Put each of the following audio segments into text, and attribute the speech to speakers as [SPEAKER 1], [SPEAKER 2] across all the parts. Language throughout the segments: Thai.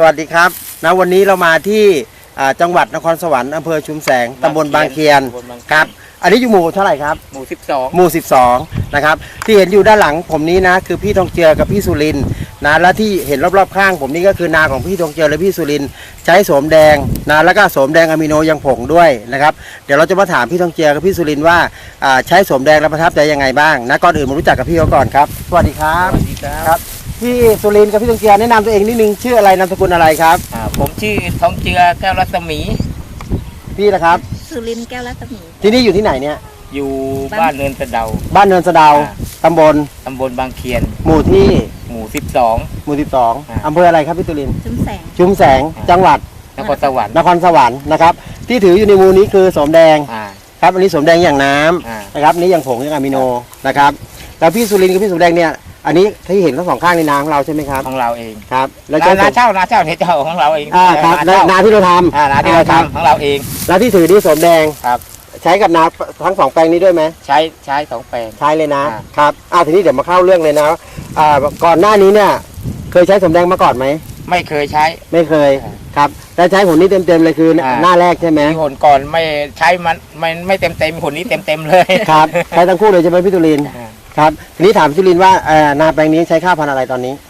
[SPEAKER 1] วัสดีครับนะวันนี้เรามาที่จังหวัดนครสวรรค์อำเภอชุมแสงตำบลบางเคียนครับอันนี้อยู่หมู่เท่าไหร่ครับ
[SPEAKER 2] หมู่12
[SPEAKER 1] หมู่12นะครับที่เห็นอยู่ด้านหลังผมนี้นะคือพี่ทองเจือกับพี่สุรินทร์นะและที่เห็นรอบๆข้างผมนี่ก็คือนาของพี่ทองเจือและพี่สุรินทร์ใช้โสมแดงนะแล้วก็โสมแดงอะมิโนยังผงด้วยนะครับเดี๋ยวเราจะมาถามพี่ทองเจือกับพี่สุรินทร์ว่าใช้โสมแดงแล้วประทับใจยังไงบ้างนะก่อนอื่นมารู้จักกับพี่เขาก่อนครับสวัสดีครับ
[SPEAKER 2] สวัสดีครับ
[SPEAKER 1] พี่สุรินทร์กับพี่ทองเจือแนะนำตัวเองนิดนึงชื่ออะไรนามสกุลอะไรครับ
[SPEAKER 2] ผมชื่อทองเจือแก้วรัศมี
[SPEAKER 1] พี่นะครับ
[SPEAKER 3] สุรินทร์แก้วรัศมี
[SPEAKER 1] ที่นี่อยู่ที่ไหนเนี่ย
[SPEAKER 2] อยู่บ้านเนินสะเดา
[SPEAKER 1] บ้านเนินสะเดาตำบล
[SPEAKER 2] บางเคียน
[SPEAKER 1] หมู่ที่
[SPEAKER 2] หมู่
[SPEAKER 1] 12อำเภออะไรครับพี่สุรินทร์
[SPEAKER 3] ชุมแสง
[SPEAKER 1] จังหวัด
[SPEAKER 2] นครสวรรค์
[SPEAKER 1] นะครับที่ถืออยู่ในมือนี้คือโสมแดงครับอันนี้โสมแดงอย่างน้ำนะครับนี้อย่างผงอย่างอะมิโนนะครับแล้วพี่สุรินทร์กับพี่โสมแดงเนี่ยอันนี้ที่เห็นทั้งสองข้างในนาของเราใช่ไหมครับ
[SPEAKER 2] ของเราเอง
[SPEAKER 1] ครับ
[SPEAKER 2] แล้วนาเช่าเนี่ยเจ้าของเราเอง
[SPEAKER 1] ครับนาที่เราทำ
[SPEAKER 2] นาที่เราทำของเราเอง
[SPEAKER 1] แล้วที่ถือนี่โสมแดง
[SPEAKER 2] ครับ
[SPEAKER 1] ใช้กับนาทั้ง2แปลงนี้ด้วยไหม
[SPEAKER 2] ใช้2แปลง
[SPEAKER 1] ใช้เลยนะครับทีนี้เดี๋ยวมาเข้าเรื่องเลยนะก่อนหน้านี้เนี่ยเคยใช้โสมแดงมาก่อนไหม
[SPEAKER 2] ไม่เคยใช้
[SPEAKER 1] ไม่เคยครับแต่ใช้ผลนี้เต็มเลยคือหน้าแรกใช่ไหม
[SPEAKER 2] ผลก่อนไม่ใช้มันไม่เต็มผลนี้เต็มเลย
[SPEAKER 1] ครับใช้ทั้งคู่เลยใช่ไหมพี่ตุลินครับทีนี้ถามพี่ตุลินว่านาแปลงนี้ใช้ข้าวพันธุ์อะไรตอนนี้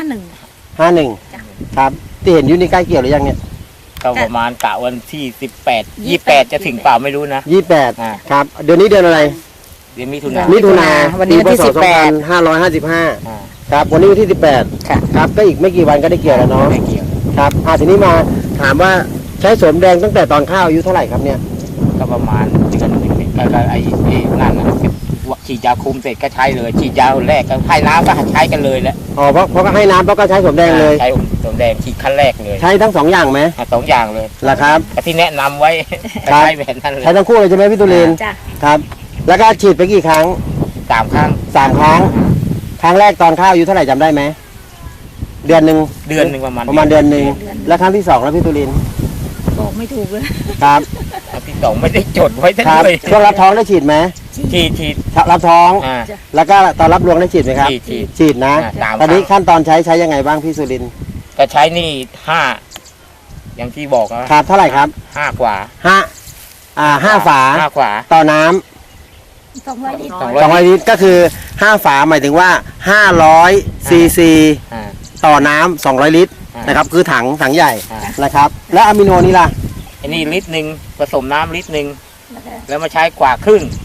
[SPEAKER 1] 51ครับที่เห็นอยู่นี่ใกล้เกี่ยวหรือยังเนี่ย
[SPEAKER 2] ก็ประมาณกะวันที่28จะถึงเปล่าไม่รู้นะ
[SPEAKER 1] 28ครับเดือนนี้เดือนอะไร
[SPEAKER 2] เดือนมิถุ
[SPEAKER 1] นา
[SPEAKER 3] วันนี้ที่
[SPEAKER 1] 2555ครับวันนี้วันที่18ครับก็อีกไม่กี่วันก็ได้เกี่ยวแล้วเนาะครับทีนี้มาถามว่าใช้โสมแดงตั้งแต่ตอนข้าวอายุเท่าไหร่ครับเนี่ย
[SPEAKER 2] ก็ประมาณเดือนนึงก็ไอ้นั่นฉีดยาคุมเสร็จก็ใช้เลยฉีดยาแรกก็ให้น้ำก็ใช้กันเลยแหละ
[SPEAKER 1] เพราะก็ให้น้ำเพราะก็ใช้โสมแดงเลย
[SPEAKER 2] ใช้โสมแดงฉีดขั้นแรกเลย
[SPEAKER 1] ใช้ทั้ง2อย่างไหม
[SPEAKER 2] 2อย่างเลย
[SPEAKER 1] ล่ะครับ
[SPEAKER 2] ที่แนะนำไว้ใช้แบบนั้นเลย
[SPEAKER 1] ใช้ทั้งคู่เลยใช่ไหมพี่ตุลินครับแล้วก็ฉีดไปกี่ครั้ง
[SPEAKER 2] 3 ครั้ง
[SPEAKER 1] ครั้งแรกตอนข้าวอายุเท่าไหร่จำได้ไหมเดือนหนึ่ง
[SPEAKER 2] ประมาณ
[SPEAKER 1] เดือนหนึ่งแล้วครั้งที่2แล้วพี่ตุลิน
[SPEAKER 3] บอกไม่ถูกเลย
[SPEAKER 1] ครับ
[SPEAKER 2] ครั้งที่2ไม่ได้จดไว้ทั้งเลย
[SPEAKER 1] ช่วงรับท้องได้ฉีดไหม
[SPEAKER 2] ฉีด
[SPEAKER 1] รับท้องแล้วก็ตอนรับรวงได้ฉีดไหมครับฉีดนะตอนนี้ขั้นตอนใช้ยังไงบ้างพี่สุรินทร์
[SPEAKER 2] ก็ใช้นี่5อย่างที่บอก
[SPEAKER 1] ครับเท่าไหร่ครับ
[SPEAKER 2] 5กว่า
[SPEAKER 1] 5 ฝาต่อน้ำ
[SPEAKER 3] 200 ลิตร
[SPEAKER 1] 200 ลิตรก็คือ5 ฝาหมายถึงว่า500 ซีซีต่อน้ำ200 ลิตรนะครับคือถังใหญ่นะครับแล้วอะมิโนนี่ล่ะ
[SPEAKER 2] อันนี้ลิตรนึงผสมน้ำลิตรนึงแล้วมาใช้กว่าครึ่ง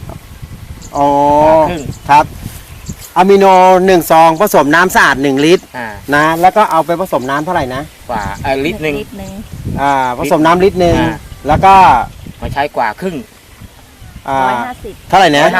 [SPEAKER 1] ครับอะมิโน1 ซองผสมน้ำสะอาด1 ลิตรนะแล้วก็เอาไปผสมน้ำเท่าไหร่นะ
[SPEAKER 2] กว่าลิตรนึง
[SPEAKER 1] ผสมน้ำลิตรนึงแล้วก็
[SPEAKER 2] มาใช้กว่าครึ่ง
[SPEAKER 1] เท่าไหร่นะ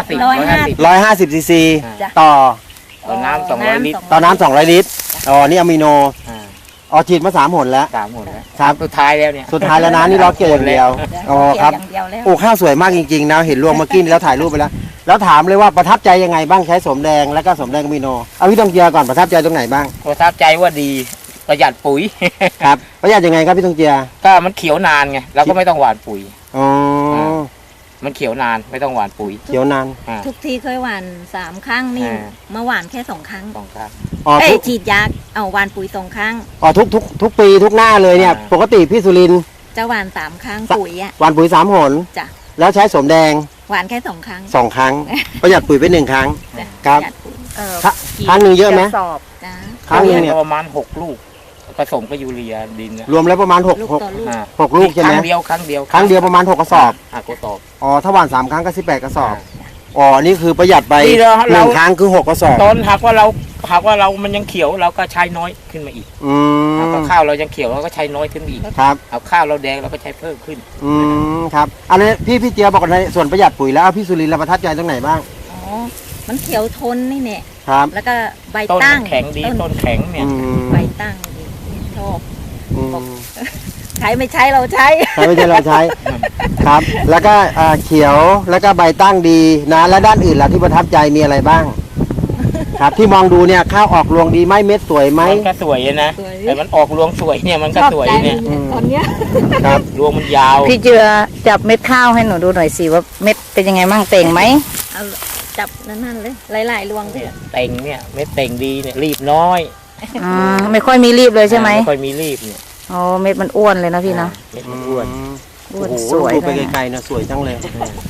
[SPEAKER 1] 150 ซีซีต่อ
[SPEAKER 2] น้ำ200 ลิตร
[SPEAKER 1] ต่อน้ำ200 ลิตรนี่อะมิโนฉีดมา3 หนแล้ว
[SPEAKER 2] ครับสุดท้ายแล้วเนี่ย
[SPEAKER 1] นะนี่เราเกี่ยวอย่างเดียวครับข้าวสวยมากจริงๆนะเห็นรวงเมื่อกี้แล้วถ่ายรูปไปแล้วถามเลยว่าประทับใจยังไงบ้างใช้โสมแดงแล้วก็โสมแดงอะมิโนเอาพี่ทองเจือก่อนประทับใจตรงไหนบ้าง
[SPEAKER 2] ประทับใจว่าดีประหยัดปุ๋ย
[SPEAKER 1] ครับประหยัดยังไงครับพี่ทองเจือ
[SPEAKER 2] ก็มันเขียวนานไงเราก็ไม่ต้องหว่านปุ๋ยมันเขียวนานไม่ต้องหว่านปุ๋ย
[SPEAKER 1] เขียวนาน
[SPEAKER 3] ทุกทีเคยหว่าน3 ครั้งนี่มาหว่านแค่2 ครั้งฉีดยาหว่านปุ๋ย2 ครั้ง
[SPEAKER 1] ทุกปีทุกหน้าเลยเนี่ยปกติพี่สุรินทร์
[SPEAKER 3] จะหว่าน3 ครั้งปุ๋ย
[SPEAKER 1] หว่านปุ๋ย3 หน
[SPEAKER 3] จ้ะ
[SPEAKER 1] แล้วใช้โสมแดง
[SPEAKER 3] หว่านแค่2 ครั้ง
[SPEAKER 1] ประหยัดปุ๋ยไป1 ครั้งครับครั้งนึงเยอะไหม
[SPEAKER 2] ครั้งนึงเนี่ยประมาณ6 ลูกผสมกับยูเรียดิน
[SPEAKER 1] รวมแล้วประมาณ6 ลูกใช่ไหม
[SPEAKER 2] ครั้งเดียว
[SPEAKER 1] ประมาณ6 กระสอบถ้าหว่าน3 ครั้งก็18 กระสอบนี่คือประหยัดไป1 ครั้งคือ6 กระสอบ
[SPEAKER 2] ตอนหากว่าเรามันยังเขียวเราก็ใช้น้อยขึ้นมาอีกข้าวเรายังเขียวเราก็ใช้น้อยขึ้นอีก
[SPEAKER 1] ครับ
[SPEAKER 2] เอาข้าวเราแดงเราก็ใช้เพิ่มขึ้น
[SPEAKER 1] ครับอันนี้พี่เจียบอกในส่วนประหยัดปุ๋ยแล้วพี่สุรินทร์ประทับใจตรงไหนบ้าง
[SPEAKER 3] มันเขียวทนนี่เนี่ย
[SPEAKER 1] ครับ
[SPEAKER 3] แล้วก็ใบตั้ง
[SPEAKER 2] แข็งดีต้นแข็งเนี่ย
[SPEAKER 3] ใบตั้งชอบใช้ไม่ใช้เราใช้
[SPEAKER 1] ครับแล้วก็เขียวแล้วก็ใบตั้งดีนะและด้านอื่นล่ะที่ประทับใจมีอะไรบ้างครับที่มองดูเนี่ยข้าวออกรวงดีไหมเม็ดสวยไหม
[SPEAKER 2] มันก็สวยนะแต่มันออกรวงสวยเนี่ยมันก็สวยเนี่ย
[SPEAKER 3] ตอนเนี้ย
[SPEAKER 1] ครับ
[SPEAKER 2] รวงมันยาว
[SPEAKER 4] พี่เจือจับเม็ดข้าวให้หนูดูหน่อยสิว่าเม็ดเป็นยังไงมั่งเต่งไหม
[SPEAKER 3] จับนั่นเลยหลายๆรวง
[SPEAKER 2] เนี่ยเต่งเนี่ยเม็ดเต่งดีเนี่ยรีบน้อย
[SPEAKER 4] ไม่ค่อยมีรีบเลยใช่ไหม
[SPEAKER 2] ไม่ค่อยมีรีบเนี่ย
[SPEAKER 4] อ๋อเม็ดมันอ้วนเลยนะพี่เนาะ
[SPEAKER 2] เม็ดมันอ้วน
[SPEAKER 4] อ้วน
[SPEAKER 1] โอ้โห
[SPEAKER 4] สวย
[SPEAKER 1] ดูไป
[SPEAKER 4] เลยนะ
[SPEAKER 1] ไกลๆนะสวยจังเลย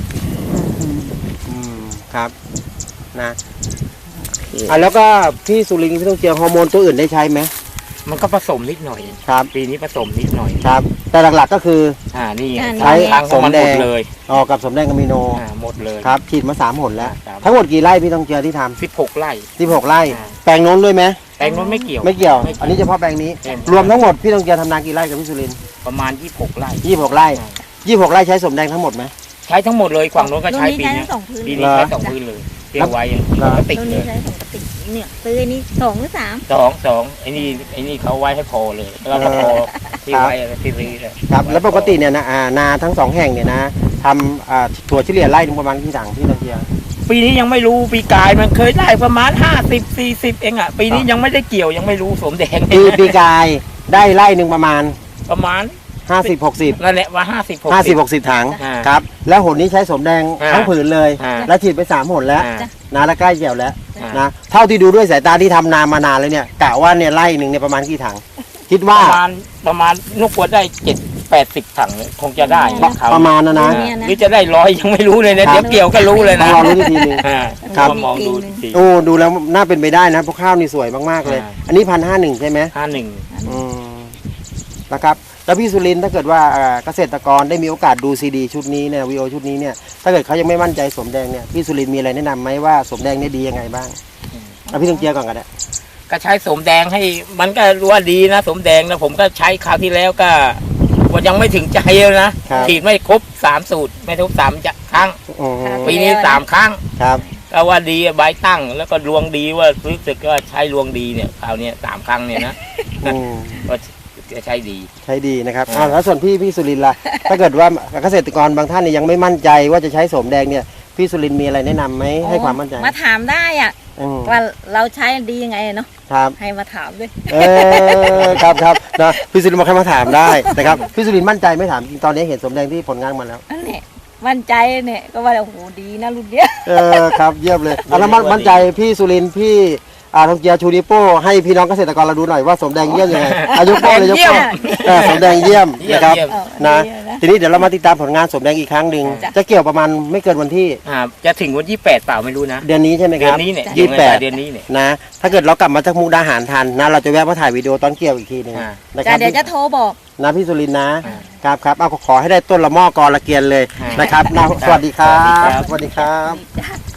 [SPEAKER 1] ครับนะแล้วก็พี่สุรินทร์พี่ต้องเจียฮอร์โมนตัวอื่นได้ใช้ไหม
[SPEAKER 2] มันก็ผสมนิดหน่อย
[SPEAKER 1] ครับ
[SPEAKER 2] ปีนี้ผสมนิดหน่อย
[SPEAKER 1] ครับ แต่หลักๆก็คือ
[SPEAKER 2] นี่
[SPEAKER 1] ใช้
[SPEAKER 2] ทางของมันหมดเลย
[SPEAKER 1] ออกกับสมแดงอะมิโน
[SPEAKER 2] หมดเลย
[SPEAKER 1] ครับฉีดมา3 หนแล้ว
[SPEAKER 2] ครับ
[SPEAKER 1] ทั้งหมดกี่ไร่พี่ต้องเจียที่ท
[SPEAKER 2] 16 ไร่
[SPEAKER 1] ำ16 ไร่
[SPEAKER 2] อ่า
[SPEAKER 1] แปลงโน้นด้วยไหม
[SPEAKER 2] แปลงนู้นไม่เกี่ยว
[SPEAKER 1] ไม่เกี่ยว อันนี้เฉพาะแปลงนี้ รวมทั้งหมดพี่ต้องเจียทำนากี่ไร่กับพี่สุรินทร์
[SPEAKER 2] ประมาณ 26 ไร่
[SPEAKER 1] 26 ไร่ 26 ไร่ใช้สมแดงทั้งหมดไหม
[SPEAKER 2] ใช้ทั้งหมดเลยฝั่งนู้นก็
[SPEAKER 3] รุ่น
[SPEAKER 2] ใช้
[SPEAKER 3] นี้
[SPEAKER 2] ปี
[SPEAKER 3] ใช้
[SPEAKER 2] นี้
[SPEAKER 3] ทั้งสองพื้น
[SPEAKER 2] ปีนี้ใช้2 พื้นเลยเที่ยวไว้
[SPEAKER 1] เหรอ
[SPEAKER 2] กระติก
[SPEAKER 3] รุ่น
[SPEAKER 2] เล
[SPEAKER 3] นี้
[SPEAKER 2] ย
[SPEAKER 3] ใช้สองกระติกเนี่ยซื้ออันนี้2 หรือ 3
[SPEAKER 2] สองไอ้นี่เขาไว้ให้พอเลยแล้วก็พอที่ไว้ที่รีเลย
[SPEAKER 1] ครับ แล้วปกติเนี่ยนะนาทั้ง2 แห่งเนี่ยนะทำถั่วเฉลี่ยไร่หนึงประมาณกี่ถังพี่ต้องเจีย
[SPEAKER 2] ปีนี้ยังไม่รู้ปีกายมันเคยได้ประมาณ50-40เองอ่ะปีนี้ยังไม่ได้เกี่ยวยังไม่รู้สมแดง
[SPEAKER 1] ปีกายได้ไร่หนึ่งประมาณ
[SPEAKER 2] ประมาณ
[SPEAKER 1] 50-60
[SPEAKER 2] นั่นแหละว่า
[SPEAKER 1] 50-60 ถัง
[SPEAKER 2] อ่า
[SPEAKER 1] ครับ แล้วหนนี้ใช้สมแดง
[SPEAKER 2] อ่า
[SPEAKER 1] ทั้งผืนเลย
[SPEAKER 2] อ่า
[SPEAKER 1] แล้วฉีดไป3 หนแล้ว
[SPEAKER 2] อ่า
[SPEAKER 1] นะแล้วใกล้เกี่ยวแล้ว
[SPEAKER 2] อ่าน
[SPEAKER 1] นะเท่าที่ดูด้วยสายตาที่ทำนามานานเลยเนี่ยกะว่าเนี่ยไร่หนึ่งเนี่ยประมาณกี่ถัง คิดว่า
[SPEAKER 2] ประมาณนกกวดได้70-80 ถังคงจะได้
[SPEAKER 1] ประมาณนะนะ
[SPEAKER 3] เนี่ยนะ
[SPEAKER 2] หรือจะได้100ยังไม่รู้เลยนะ
[SPEAKER 1] ครับ
[SPEAKER 2] เดี๋ยวเกี่ยวก็รู้เลย
[SPEAKER 1] ต้อ
[SPEAKER 2] นะ
[SPEAKER 1] งรอรู้นอีกทีหนึง ครับ
[SPEAKER 2] มามองดูที
[SPEAKER 1] โอ้ดูแล้วน่าเป็นไปได้นะเพราะข้าวนี่สวยมากๆเลย
[SPEAKER 2] อ่า
[SPEAKER 1] อันนี้1,501ใช่ไหม
[SPEAKER 2] 51
[SPEAKER 1] อืมนะครับแล้วพี่สุรินทร์ถ้าเกิดว่าเกษตรกรได้มีโอกาสดูซีดีชุดนี้เนี่ยวีโอชุดนี้เนี่ยถ้าเกิดเขายังไม่มั่นใจสมแดงเนี่ยพี่สุรินทร์มีอะไรแนะนำไหมว่าสมแดงเนี่ยดียังไงบ้างเอาพี่ต้องเจียก่อนกันนะ
[SPEAKER 2] ก็ใช้สมแดงให้มันก็รู้ว่าดีนะสมแดงนะผมก็ใช้คราวที่แล้วก็ว่ายังไม่ถึงใจเลยนะฉีดไม่ครบ3 สูตรไม่ครบ3 ครั้ง
[SPEAKER 1] อืม
[SPEAKER 2] ปีนี้3 ครั้ง
[SPEAKER 1] ครับ
[SPEAKER 2] ก็ว่าดีใบตั้งแล้วก็รวงดีว่ารู้สึกว่าใช้รวงดีเนี่ยคราวนี้3 ครั้งเนี่ยนะ
[SPEAKER 1] อืม
[SPEAKER 2] ก็จะใช้ดี
[SPEAKER 1] ใช้ดีนะครับแล้วส่วนพี่สุรินทร์ล่ะ ถ้าเกิดว่าเกษตรกรบางท่านเนี่ยยังไม่มั่นใจว่าจะใช้สมแดงเนี่ยพี่สุรินทร์มีอะไรแนะนำไหมให้ความมั่นใจ
[SPEAKER 3] มาถามได้อ่ะ
[SPEAKER 1] อืม
[SPEAKER 3] ว่าเราใช้ดียังไงเนาะ
[SPEAKER 1] ครับ
[SPEAKER 3] ให้มาถามด้วย
[SPEAKER 1] ครับนะพี่สุรินทร์มาแค่มาถามได้นะครับพี่สุรินทร์มั่นใจไหม่ถามจริงตอนนี้เห็นสมแดงที่ผลงานมาแล้ว
[SPEAKER 3] นั่นแหละมั่นใจเนี่ยก็ว่าโอ้โหดีนะรุ่นเนี้ย
[SPEAKER 1] ครับเยี่ยมเลยแล้วมั่นใจพี่สุรินทร์พี่ทองเจียชูนิโป้ให้พี่น้องเกษตรกรเราดูหน่อยว่าสมแดงเยี่ยมยังไงยกโป้เลยยกโป้สมแดงเยี่ยมนะครับ
[SPEAKER 2] เยี่ยม
[SPEAKER 1] นะทีนี้เดี๋ยวเรามาติดตามผลงานสมแดงอีกครั้งหนึ่งจะเกี่ยวประมาณไม่เกินวันที่
[SPEAKER 2] จะถึงวันที่8เปล่าไม่รู้นะ
[SPEAKER 1] เดือนนี้ใช่ไหมค
[SPEAKER 2] เดือ
[SPEAKER 1] รับ
[SPEAKER 2] นนี้เนี่ย
[SPEAKER 1] 28
[SPEAKER 2] เดือนนี้เนี่ย
[SPEAKER 1] นะถ้าเกิดเรากลับมาจากมุกดาหารทันนะเราจะแวะมาถ่ายวิดีโอตอนเกี่ยวอีกทีหนึง
[SPEAKER 2] อ่า
[SPEAKER 1] นะค
[SPEAKER 3] จ้ะ
[SPEAKER 1] รับ
[SPEAKER 3] เดี๋ยวจะโทรบอก
[SPEAKER 1] นะพี่สุรินทร์นะครับเอาขอให้ได้ต้นละหม้อกอละเกียนเลยนะครับนะสวัสดีครับ
[SPEAKER 2] สวัสดีครับ
[SPEAKER 1] สวัสดีครับ
[SPEAKER 3] จ้ะ